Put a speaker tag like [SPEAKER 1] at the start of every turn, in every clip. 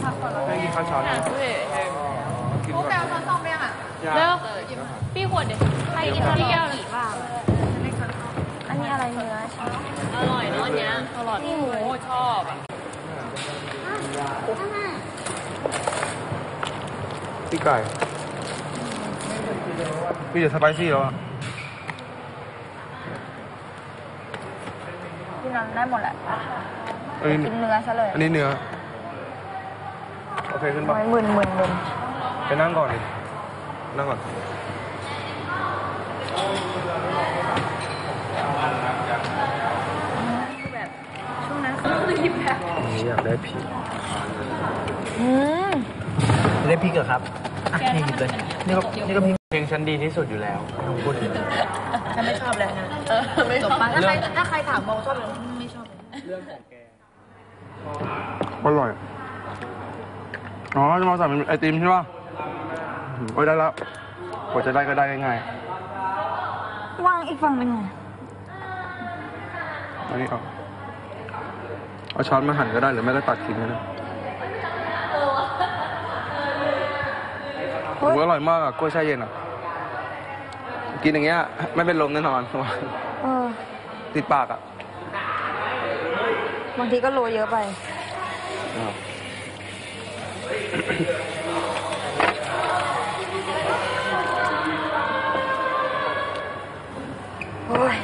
[SPEAKER 1] ให้กินข้าวช้อน
[SPEAKER 2] พวกแกเอาช้อนซ่อมไปยังอ่ะ
[SPEAKER 3] เร็วพี่ขวดเด็กใครกินพี่แก้วหรือเปล่า
[SPEAKER 2] อันนี้อะไรเนื้อใช่
[SPEAKER 3] อร่อยเนาะเนี้ยอร่อยนี่หมูชอบอ่ะ
[SPEAKER 1] พี่ไก่พี่จะสไปซี่แล้วอ่ะ
[SPEAKER 2] ที่นั้นได้หมดแหละกินเนื้อซะเลย
[SPEAKER 1] อันนี้เนื้อโอเคขึ้นปะ
[SPEAKER 2] มึน
[SPEAKER 1] ไปนั่งก่อนดินั่งก่อน
[SPEAKER 2] แบบช่วงนั้นคือหยิบแบบ
[SPEAKER 1] นี่อยากได้พริก
[SPEAKER 4] ได้พริกเหรอครับนี่หยิบเลยนี่ก็พริก
[SPEAKER 1] เพลงฉันดีที่สุดอยู่แล้วพูดถึง
[SPEAKER 2] ฉันไม่ชอบเลยนะไม่ชอบถ้าใครถามโมชอบเลยไม่ชอบเรื่องของแก
[SPEAKER 1] อร่อยอ๋อจะมาสั่งเป็นไอติมใช่ป่ะโอ้ยได้แล้วกว่าจะได้ก็ได้ง่ายว
[SPEAKER 2] างอีกฝั่งหนึ่ง
[SPEAKER 1] อันนี้เอาช้อนมาหั่นก็ได้หรือไม่ก็ตัดทิ้งก็ได้โอ้ยอร่อยมากอ่ะกล้วยแช่เย็นอ่ะกินอย่างเงี้ยไม่เป็นลมแน่นอนติดปากอ่ะ
[SPEAKER 2] บางทีก็โรยเยอะไปโอ้ย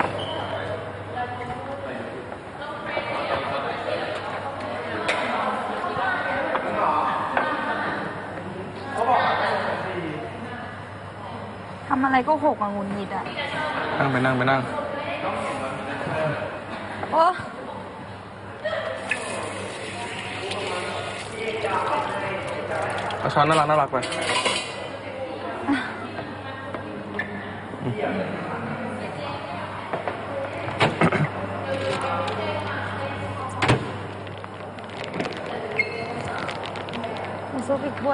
[SPEAKER 2] ทำอะไรก็หกอ่ะงุนงิดอ่ะ
[SPEAKER 1] นั่ง
[SPEAKER 2] โอ้
[SPEAKER 1] เอาช้อนน่ารักไป
[SPEAKER 2] ซุปอีกถ้วย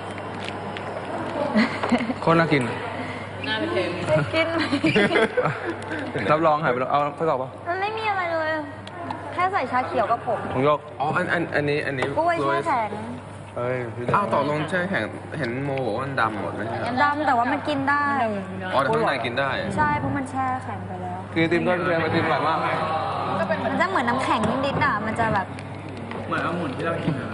[SPEAKER 1] โคตรน่ากิน
[SPEAKER 3] น่าไปเค็ม
[SPEAKER 2] กินไหม
[SPEAKER 1] รับรองหายไปแล้วเอาไปก่อนป่ะ
[SPEAKER 2] มันไม่มีอะไรเลยแค่ใส่ชาเขียวกับผม
[SPEAKER 1] ของโยก
[SPEAKER 5] อันนี้
[SPEAKER 2] กล้วยแช่แข็ง
[SPEAKER 5] อ้าวต่อลงแช่แข็งเห็นโมบอกว่ามันดำหมดเลย
[SPEAKER 2] ดำแต่ว่ามันกินได้
[SPEAKER 5] อ๋อแต่ข้างในกินได้
[SPEAKER 2] ใช่เพราะมันแช่แข็งไปแล้ว
[SPEAKER 1] คือติมด้วยไอติมอร่อยมาก
[SPEAKER 2] มันจะเหมือนน้ำแข็งนิดๆอ่ะมันจะแบบ
[SPEAKER 4] เหมือนองุ่นที่เรากิน